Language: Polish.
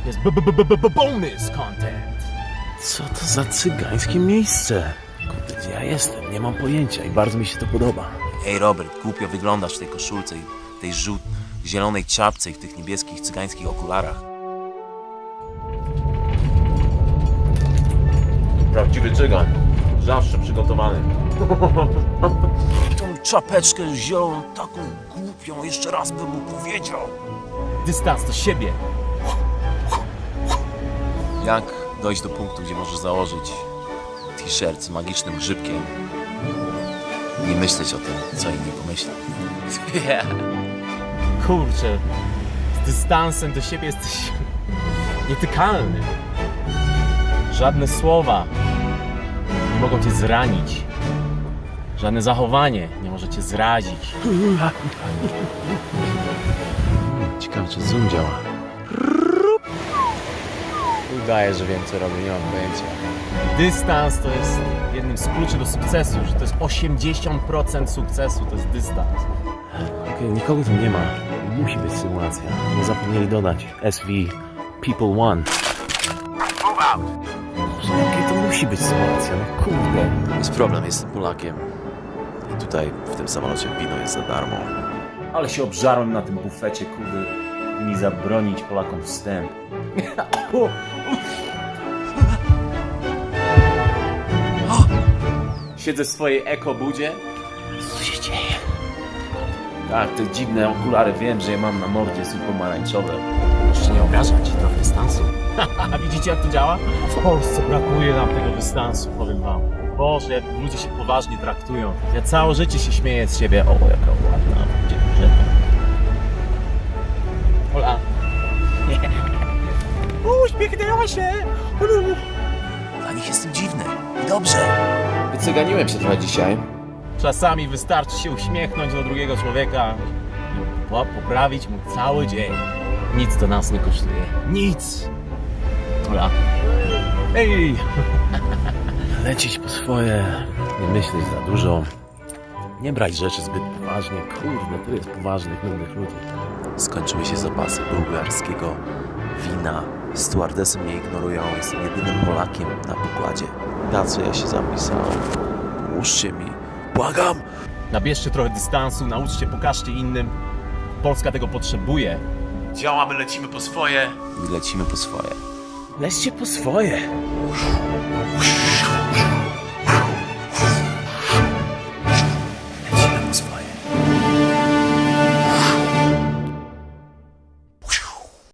jest bonus content. Co to za cygańskie miejsce? Kurde, gdzie ja jestem? Nie mam pojęcia i bardzo mi się to podoba. Ej Robert, głupio wyglądasz w tej koszulce i tej zielonej czapce i w tych niebieskich cygańskich okularach. Prawdziwy cygan. Zawsze przygotowany. Tą czapeczkę zieloną, taką głupią, jeszcze raz bym mu powiedział. Dystans do siebie. Jak dojść do punktu, gdzie możesz założyć t-shirt z magicznym grzybkiem i nie myśleć o tym, co inni pomyślą. Kurczę, z dystansem do siebie jesteś nietykalny. Żadne słowa nie mogą cię zranić. Żadne zachowanie nie może cię zrazić. Ciekawe, czy zoom działa. Udaję, że wiem co robię, nie mam pojęcia. Dystans to jest jednym z kluczy do sukcesu, że to jest 80% sukcesu, to jest dystans. Okej, nikogo tu nie ma. Musi być symulacja. Nie zapomnieli dodać SV People One. Jakie to musi być symulacja? No kurde. Jest problem, jestem Polakiem. I tutaj, w tym samolocie, wino jest za darmo. Ale się obżarłem na tym bufecie, kurde. Mi zabronić Polakom wstęp. Siedzę w swojej ekobudzie. Co się dzieje? Tak, te dziwne okulary, wiem, że je mam na mordzie, są pomarańczowe. Jeszcze nie obrażać, trochę dystansu. A widzicie jak to działa? W Polsce brakuje nam tego dystansu, powiem wam. Boże, jak ludzie się poważnie traktują. Ja całe życie się śmieję z siebie. O, jaka ładna dziewczyna. Ola. Uśmiechnęła się. Dla nich jestem dziwny. I dobrze. Wycyganiłem się trochę dzisiaj. Czasami wystarczy się uśmiechnąć do drugiego człowieka i poprawić mu cały dzień. Nic to nas nie kosztuje. Nic. Ola. Ej! Lecieć po swoje, nie myśleć za dużo, nie brać rzeczy zbyt poważnie. Kurde, tu jest poważnych, nudnych ludzi. Skończyły się zapasy bułgarskiego wina. Stewardesy mnie ignorują. Jestem jedynym Polakiem na pokładzie. Na co ja się zapisałem? Pomóżcie mi. Błagam! Nabierzcie trochę dystansu, nauczcie, pokażcie innym. Polska tego potrzebuje. Działamy, lecimy po swoje. I lecimy po swoje. Lećcie po swoje.